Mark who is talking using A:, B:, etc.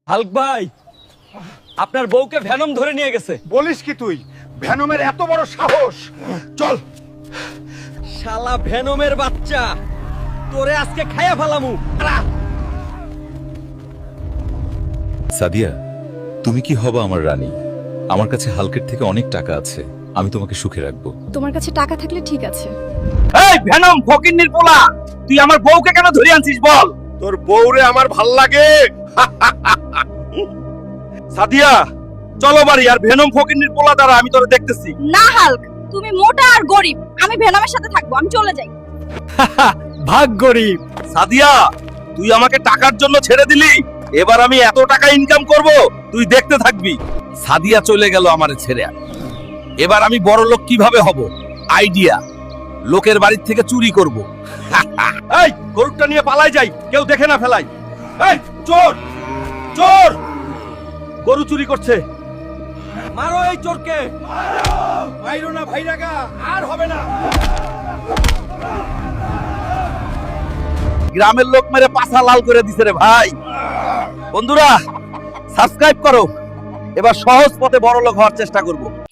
A: Hulk ভাই, আপনার বউকে ভ্যানম ধরে নিয়ে গেছে।
B: বলিস কি তুই? ভ্যানমের এত বড় সাহস! চল।
A: শালা ভ্যানমের বাচ্চা, তোরে আজকে খাইয়া ফেলামু।
C: সাদিয়া, তুমি কি হবা আমার রানী? আমার কাছে হালকের থেকে অনেক টাকা আছে, আমি তোমাকে সুখে রাখবো।
D: তোমার কাছে টাকা থাকলে ঠিক আছে।
A: এই ভ্যানম ফকিন্নির পোলা, তুই আমার বউকে কেন ধরে আনছিস বল?
B: তোর বউরে আমার ভাল লাগে।
A: সাদিয়া, চলো বাড়ি, আর ভ্যানম ফকিন্নির পোলা দ্বারা আমি তোরে দেখতেছি।
D: না হাল্ক, তুমি মোটা আর গরিব, আমি ভেনমের সাথে থাকবো, আমি চলে যাই।
A: ভাগ গরিব। সাদিয়া, তুই আমাকে টাকার জন্য ছেড়ে দিলি, এবার আমি এত টাকা ইনকাম করব তুই দেখতে থাকবি। সাদিয়া চলে গেল আমারে ছেড়ে, এবার আমি বড় লোক কিভাবে হব? আইডিয়া, লোকের বাড়ির থেকে চুরি করব। এই গরুটা নিয়ে পালাই যাই, কেউ দেখে না ফেলাই। এই চোর, চোর, গরু চুরি করছে, মারো এই চোরকে। মাইরো না ভাইরাগা, আর হবে না। গ্রামের লোক মেরে পাছা লাল করে দিছে রে ভাই। বন্ধুরা সাবস্ক্রাইব করো, এবার সহজ পথে বড় লোক হওয়ার চেষ্টা করব।